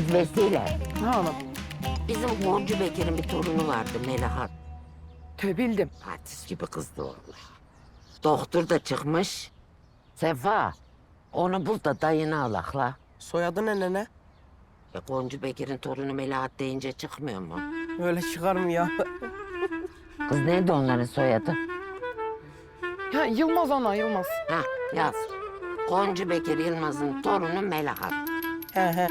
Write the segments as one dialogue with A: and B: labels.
A: Kız Vesile.
B: Ne oğlum?
A: Bizim Goncu Bekir'in bir torunu vardı Melahat.
B: Bildim.
A: Artist gibi kızdı vallahi. Doktor da çıkmış. Sefa, onu bul da dayını alakla.
C: Soyadı ne nene?
A: Ya Goncu Bekir'in torunu Melahat deyince çıkmıyor mu?
C: Öyle çıkar mı ya?
A: Kız neydi onların soyadı?
B: Ya Yılmaz ana Yılmaz.
A: Ha yaz. Goncu Bekir Yılmaz'ın torunu Melahat.
C: He.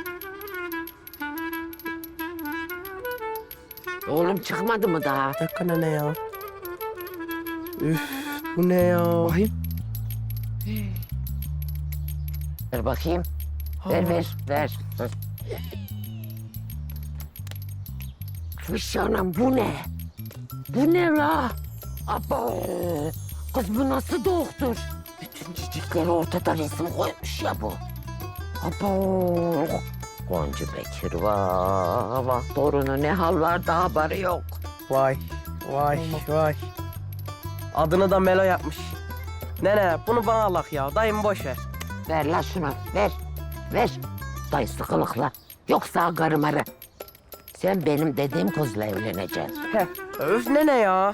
A: Oğlum çıkmadı mı daha?
C: Bir dakika nene ya. Üf, bu ne ya?
B: Bakayım.
A: Ver bakayım. Ver. Dur. Fış anam bu ne? Bu ne la? Abo! Kız bu nasıl doktor? Bütün cicikleri ortada resim koymuş ya bu. Abo! Goncu Bekir vah torunu ne hal var da haberi yok.
C: Vay. Adını da Melo yapmış. Nene bunu bana alak ya. Dayım boş ver.
A: Ver la şunu ver. Dayısı kılıkla. Yoksa karımarı. Sen benim dediğim kızla evleneceksin.
C: He. Öf nene ya.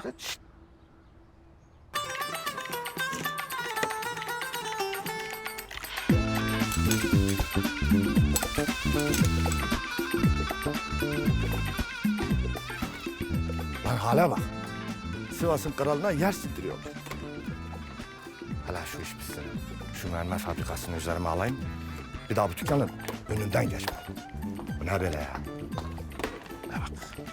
D: Lan hala bak. Sivas'ın kralına yer sindiriyor. Hala şu iş bitsin. Şu mermer fabrikasını üzerime alayım. Bir daha bu dükkanın önünden geçmem. Bu ne böyle ya? Ne bak.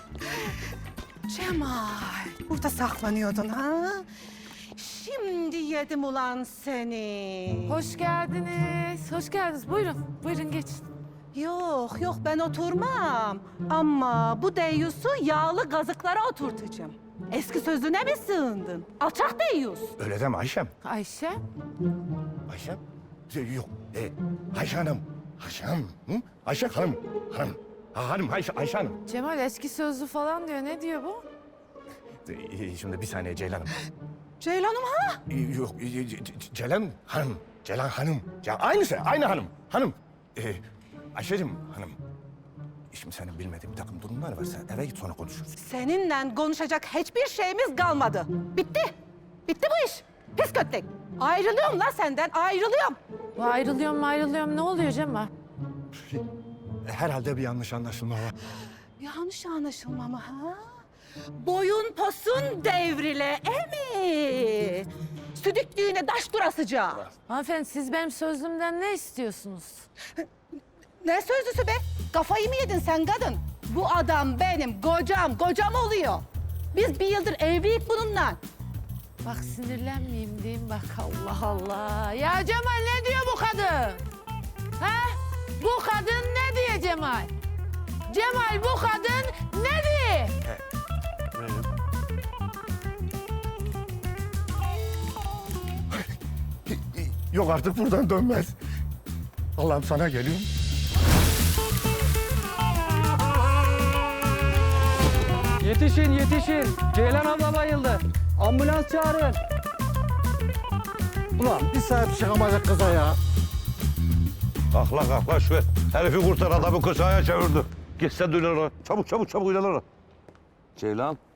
E: Cemal, burada saklanıyordun ha? Şimdi yedim ulan seni.
F: Hoş geldiniz. Hoş geldiniz. Buyurun geçin.
E: Yok ben oturmam. Ama bu deyyusu yağlı gazıklara oturtacağım. Eski sözüne mi sığındın? Alçak deyyus.
D: Öyle deme Ayşem.
F: Ayşe.
D: Ayşem? Yok. Ayşe Hanım. Ayşe Hanım. Hı? Ayşe Hanım. Hanım. Ha, hanım Ayşe Hanım.
F: Cemal eski sözlü falan diyor. Ne diyor bu?
D: Şimdi bir saniye Ceylan'ım.
E: Ceylanım ha?
D: Yok. Ceylan Hanım. Ceylan Hanım. Ya aynısı. Aynı hanım. Hanım. Ayşe'cim hanım. Şimdi senin bilmediğin bir takım durumlar var. Sen eve git sonra konuşuruz.
E: Seninle konuşacak hiçbir şeyimiz kalmadı. Bitti. Bitti bu iş. Pis köttek. Ayrılıyorum lan senden, ayrılıyorum.
F: Bu ayrılıyorum. Ne oluyor Cemal?
D: Herhalde bir yanlış anlaşılma var.
E: Yanlış anlaşılma mı ha? Boyun posun devrile emi. Südüklüğüne daş durasıca.
F: Hanımefendi siz benim sözlümden ne istiyorsunuz?
E: Ne sözlüsü be? Kafayı mı yedin sen kadın? Bu adam benim kocam oluyor. Biz bir yıldır evliyiz bununla.
F: Bak sinirlenmeyeyim diyeyim bak Allah Allah. Ya Cemal ne diyor bu kadın? Ha? Bu kadın ne diyor Cemal? Cemal bu kadın ne diyor?
D: Yok artık buradan dönmez. Allah'ım sana geliyorum.
G: Yetişin. Ceylan abla bayıldı. Ambulans çağırın.
D: Ulan bir saat çıkamayacak kıza ya.
H: Kalk la şu herifi kurtar adamı kısaya çevirdi. Gitsen döner. Çabuk ilerle. Ceylan.